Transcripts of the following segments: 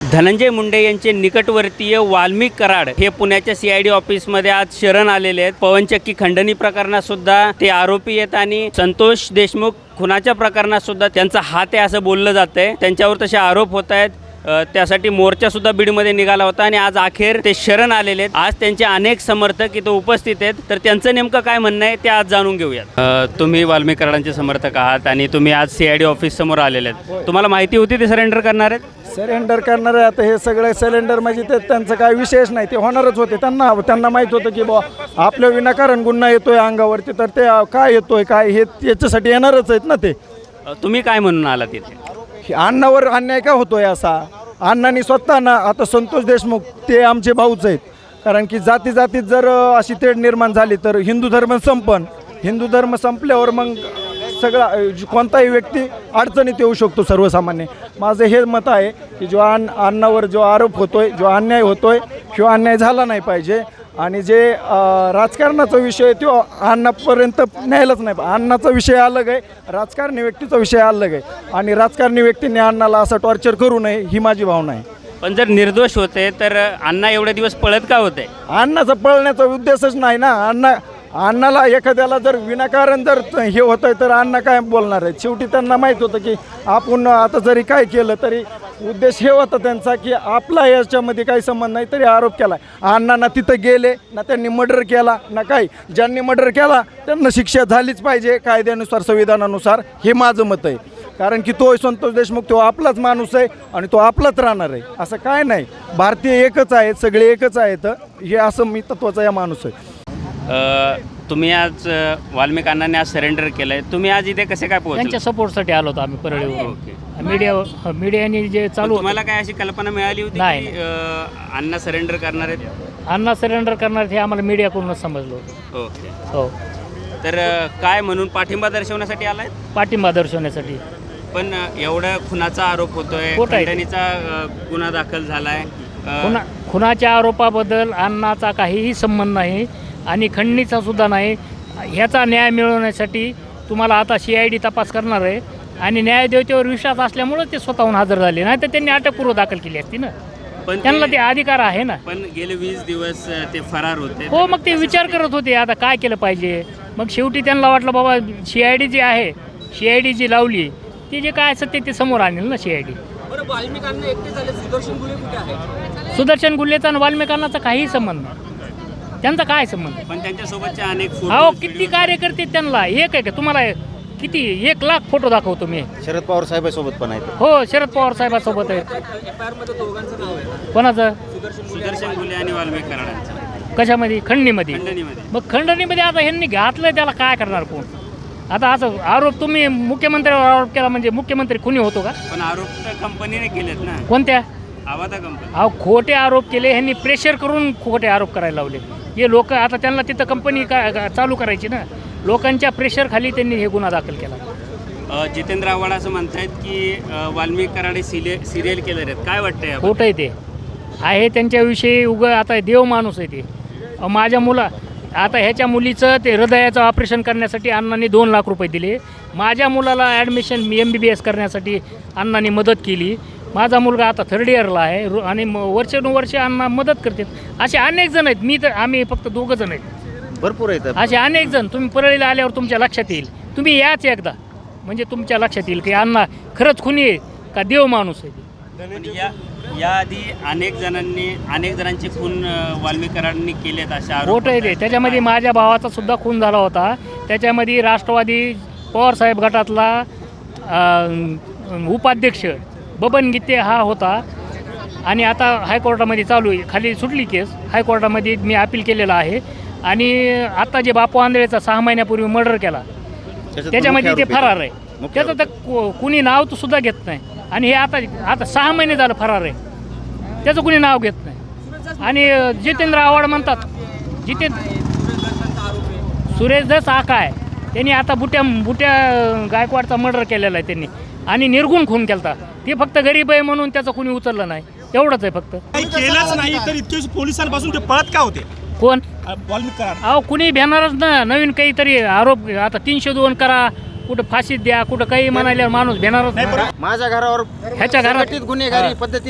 धनंजय मुंडे यांचे निकटवर्तीय वाल्मिक कराड हे पुण्याच्या CID ऑफिसमध्ये आज शरण आलेले आहेत। पवनचक्की खंडणी प्रकरणात सुद्धा ते आरोपी आहेत आणि संतोष देशमुख खुनाच्या प्रकरणात सुद्धा त्यांचा हात आहे असं बोललं जातंय। त्यांच्यावर तसे आरोप होत आहेत। त्यासाठी मोर्चा सुद्धा बीडमध्ये निघाला होता आणि आज अखेर ते शरण आलेले आहेत। आज त्यांचे अनेक समर्थक इथं उपस्थित आहेत, तर त्यांचं नेमकं काय म्हणणं आहे ते आज जाणून घेऊयात। तुम्ही वाल्मिक कराडांचे समर्थक आहात आणि तुम्ही आज CID ऑफिस समोर आलेले आहेत। तुम्हाला माहिती होती ते सरेंडर करणार आहेत? सरेंडर करणार आहे। आता हे सगळे सिलेंडर म्हणजे ते त्यांचं काय विशेष नाही, ते होणारच होते। त्यांना माहीत होतं की बा आपल्या विनाकारण गुन्हा येतोय अंगावरती, तर ते काय येतोय काय हे याच्यासाठी येणारच आहेत ना ते। तुम्ही काय म्हणून आला तिथे? अण्णावर अन्याय का होतोय असा? अण्णांनी स्वतः ना, आता संतोष देशमुख ते आमचे भाऊच आहेत, कारण की जाती जातीत जर अशी तेढ निर्माण झाली तर हिंदू धर्म संपन। हिंदू धर्म संपल्यावर मग सगळा कोणताही व्यक्ती अडचणीत येऊ शकतो सर्वसामान्य। माझं हे मत आहे की जो अण्णावर जो आरोप होतोय, जो अन्याय होतोय, तो अन्याय झाला नाही पाहिजे आणि जे राजकारणाचा विषय तो अण्णापर्यंत न्यायलाच नाही। अण्णाचा विषय अलग आहे, राजकारणी व्यक्तीचा विषय अलग आहे आणि राजकारणी व्यक्तीने अण्णाला असं टॉर्चर करू नये ही माझी भावना आहे। पण जर निर्दोष होते तर अण्णा एवढे दिवस पळत का होते? अण्णाचा पळण्याचा उद्देशच नाही ना। अण्णाला एखाद्याला जर विनाकारण जर हे होतं आहे तर अण्णा काय बोलणार आहेत? शेवटी त्यांना माहीत होतं की आपण आता जरी काय केलं तरी उद्देश हे होता त्यांचा की आपला याच्यामध्ये काही संबंध नाही, तरी आरोप केला। अण्णांना तिथं गेले ना, त्यांनी मर्डर केला ना काही। ज्यांनी मर्डर केला त्यांना शिक्षा झालीच पाहिजे कायद्यानुसार, संविधानानुसार, हे माझं मत आहे। कारण की तो संतोष देशमुख तो आपलाच माणूस आहे आणि तो आपलाच राहणार आहे, असं काय नाही। भारतीय एकच आहेत, सगळे एकच आहेत, हे असं मी तत्त्वाचा या माणूस आहे। तुम्ही आज वाल्मिक अण्णांनी आज सरेंडर केलं आहे, तुम्ही आज इथे कसे काय पोहोचले? त्यांच्या सपोर्टसाठी आलो होतो आम्ही परळीवर। ओके, मीडियाने जे चालू तुम्हाला काय अशी कल्पना मिळाली होती नाही. की अण्णा सरेंडर करणार आहेत? अण्णा सरेंडर करणार हे आम्हाला मीडियाकडूनच समजलं होतं। ओके, हो, तर काय म्हणून पाठिंबा दर्शवण्यासाठी आलाय? पाठिंबा दर्शवण्यासाठी। पण एवढा खुनाचा आरोप होतोय, खोटं आहे. खंडणीचा गुन्हा दाखल झालाय। खुनाच्या आरोपाबद्दल अण्णाचा काहीही संबंध नाही आणि खंडणीचा सुद्धा नाही। ह्याचा न्याय मिळवण्यासाठी तुम्हाला आता CID तपास करणार आहे आणि न्यायदेवतेवर विश्वास असल्यामुळे ते स्वतःहून हजर झाले, नाही तर त्यांनी अटकपूर्व दाखल केली असती ना। पण त्यांना ते अधिकार आहे ना। पण गेले 20 दिवस ते फरार होते। हो, मग ते विचार करत होते आता काय केलं पाहिजे। मग शेवटी त्यांना वाटलं बाबा CID जी आहे, CID जी लावली ती जे काय सत्य ते समोर आणेल ना CID। सुदर्शन गुल्हेचा आणि वाल्मिकांचा काही संबंध नाही, त्यांचा काय संबंध? पण त्यांच्यासोबतचे अनेक अहो किती कार्यकर्ते त्यांना एक आहे का? तुम्हाला किती 1 लाख फोटो दाखवतो मी। शरद पवार साहेबांसोबत पण आहेत। हो, शरद पवार साहेबांसोबत आहे। कोणाचं? सुदर्शन गुल्हे आणि वाल्मिक कराडांचं। कशामध्ये? खंडणीमध्ये। खंडणीमध्ये. मग खंडणीमध्ये आता ह्यांनी घातलं, त्याला काय करणार कोण? आता असं आरोप तुम्ही मुख्यमंत्र्यावर आरोप केला म्हणजे मुख्यमंत्री खुनी होतो का? पण आरोप तर कंपनीने केलेत ना। कोणत्या? आवादा कंपनी। अहो खोटे आरोप केले, ह्यांनी प्रेशर करून खोटे आरोप करायला लावले। हे लोक आता त्यांना तिथं कंपनी चालू करायची ना, लोकांच्या प्रेशर खाली त्यांनी हे गुन्हा दाखल केला। जितेंद्र आव्हाड असं म्हणतायत की वाल्मिक कराडे सिरियल किलर आहेत, काय वाटतंय? खोटं आहे ते आहे त्यांच्याविषयी। आता देव माणूस आहे ते। माझ्या आता ह्याच्या मुलीचं ते हृदयाचं ऑपरेशन करण्यासाठी अण्णांनी 2 लाख रुपये दिले। माझ्या मुलाला ॲडमिशन MBBS करण्यासाठी अण्णांनी मदत केली। माझा मुलगा आता 3rd इयरला आहे आणि वर्षानुवर्षे अण्णा मदत करतात। असे अनेक जण आहेत। आम्ही फक्त 2 जण आहेत, भरपूर आहेत असे अनेक जण। तुम्ही परळीला आल्यावर तुमच्या लक्षात येईल, तुम्ही याच एकदा म्हणजे तुमच्या लक्षात येईल की अण्णा खरंच खुनी आहे का देव माणूस आहे। याआधी अनेक जणांचे खून वाल्मिक कराडांनी केलेत अशा आरोप खोटं आहे ते। त्याच्यामध्ये माझ्या भावाचा सुद्धा खून झाला होता। त्याच्यामध्ये राष्ट्रवादी पवारसाहेब गटातला उपाध्यक्ष बबन गीते हा होता आणि आता हायकोर्टामध्ये चालू आहे। खाली सुटली केस, हायकोर्टामध्ये मी अपील केलेलं आहे। आणि आता जे बापू आंधळेचा 6 महिन्यापूर्वी मर्डर केला त्याच्यामध्ये ते फरार आहे। त्याचं तर कुणी नाव तर सुद्धा घेत नाही आणि हे आता 6 महिने झालं फरार आहे, त्याचं कुणी नाव घेत नाही। आणि जितेंद्र आव्हाड म्हणतात, सुरेश धस हा काय, त्यांनी आता बुट्या गायकवाडचा मर्डर केलेला आहे त्यांनी आणि निर्गुण खून केला। ते फक्त गरीब आहे म्हणून त्याचं कुणी उचललं नाही, एवढंच आहे फक्त। काही केलंच नाही तर इतके पोलिसांपासून ते पळत का होते? कोण? वाल्मिक कराड। अहो कुणी भेटणारच ना, नवीन काहीतरी आरोप। आता 302 करा, कुठं फाशीत द्या, कुठं काही म्हणायला माणूस भेटणारच नाही। माझ्या घरावर ह्याच्या घरात गुन्हेगारी पद्धतीनं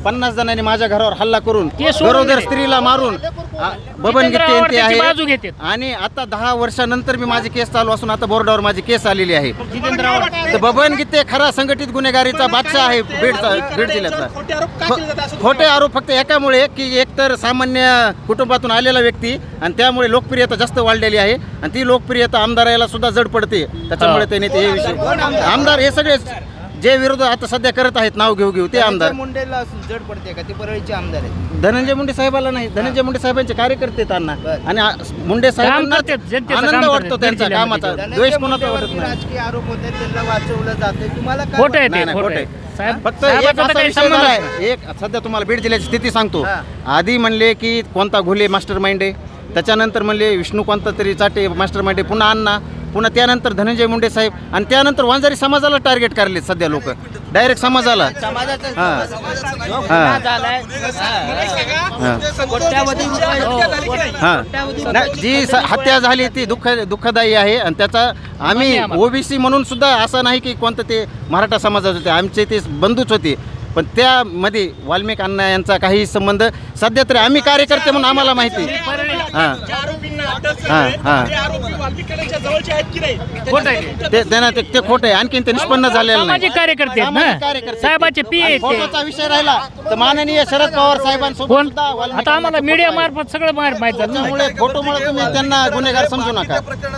50 जणांनी माझ्या घरावर हल्ला करून ते सोडून गरोदर दिले. स्त्रीला मारून बबन जितेंद्र गीते आव्हाड ते त्याची आहे बाजू घेतात. आणि आता 10 वर्षानंतर मी माझी केस चालू असून आता बोर्डावर माझी केस आलेली आहे. जितेंद्र आव्हाड तर बबन गीते खरा संघटित गुन्हेगारीचा बादशाह आहे बीड जिल्ह्यातला. खोटे आरोप का केले जातात असं खोटे आरोप फक्त एकामुळे की एकतर सामान्य कुटुंबातून आलेला व्यक्ती आणि त्यामुळे लोकप्रियता जास्त वाढलेली आहे आणि ती लोकप्रियता आमदाराला सुद्धा जड पडते. त्याच्यामुळे त्यांनी ते हे विषय आमदार हे सगळे जे विरोध आता सध्या करत आहेत नाव घेऊ ते आमदार मुंडेला जड पडते का ते परळीचे आमदार आहेत. धनंजय मुंडे साहेबाला नाही. धनंजय मुंडे साहेबांचे कार्यकर्ते आहेत अण्णा आणि मुंडे साहेबांना करतात, जनतेचं आनंद काम वाटतो करतात, त्यांचा बीड कामाचा. जिल्ह्यामध्ये. द्वेष धनंजय कोणाचा वाटत मुंडेवरती नाही. राजकीय आरोप होते त्यांना वाचवलं जाते. तुम्हाला काय खोटं आहे नाही, ते नाही, खोटं खोटं आहे. आहे. साहेब फक्त एक साहेबाचा तर असा काही विषय संबंधच झालाय. नाही. एक सध्या तुम्हाला बीड जिल्ह्याची स्थिती सांगतो. आधी म्हणले की कोणता घुले मास्टर माइंड आहे, त्याच्यानंतर म्हणले विष्णू कोणता तरी चाटे मास्टर माइंड आहे, पुन्हा अण्णा, पुन्हा त्यानंतर धनंजय मुंडे साहेब आणि त्यानंतर वांजारी समाजाला टार्गेट करले सध्या लोक डायरेक्ट समाजाला. समाजाचा हां. जो हां. गुन्हा झालाय कोट्यावधी रुपये हां नाही, जी हत्या झाली ती दुःखदायी आहे आणि त्याचा आम्ही ओबीसी म्हणून सुद्धा असं नाही की कोणतं ते मराठा समाजाचे होते, आमचे ते बंधूच होते, पण त्यामध्ये वाल्मिक अण्णा यांचा काही संबंध सध्या तरी आम्ही कार्यकर्ते म्हणून आम्हाला माहिती. हां ज्या आरोपींना अटक हां, झाली, हां. ते आरोपी वाल्मिक कराडच्या जवळचे आहेत की नाही खोटं आहे ते. ते त्यांना ते खोटं आहे. आणखीन ते निष्पन्न झालेलं नाही. सामाजिक कार्यकर्ते आहेत सामाजिक ना, कार्यकर्ते. साहेबाचे पी आणि आहेत ते. फोटोचा विषय राहिला तर माननीय शरद पवार साहेबांसोबत कोण सुद्धा वाल्मिक आता आम्हाला अण्णांचा मीडिया फोटो आहे. मार्फत सगळं माहित झालं ना. त्यामुळे फोटोमुळे तुम्ही त्यांना गुन्हेगार समजू नका.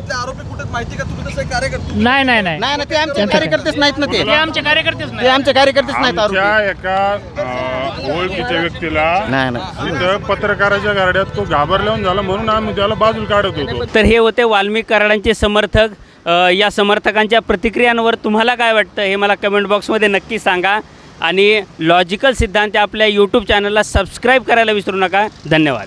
नाही नाही नाही नाही ना, ते आमचे कार्यकर्तेच नाहीत ना, ते ते आमचे कार्यकर्तेच ते नाही. आमचे कार्यकर्तेच नाहीत आरोपी. आमच्या एका ओळखीच्या व्यक्तीला नाही नाही तिथं पत्रकाराच्या गाड्यात तो घाबरल्याहून झाला म्हणून आम्ही त्याला बाजूला काढत होतो. तर हे होते वाल्मिक कराडांचे समर्थक. या समर्थकांच्या प्रतिक्रियांवर तुम्हाला काय वाटतं हे मला कमेंट बॉक्समध्ये नक्की सांगा आणि लॉजिकल सिद्धांत आपल्या यूट्यूब चॅनलला सबस्क्राईब करायला विसरू नका. धन्यवाद.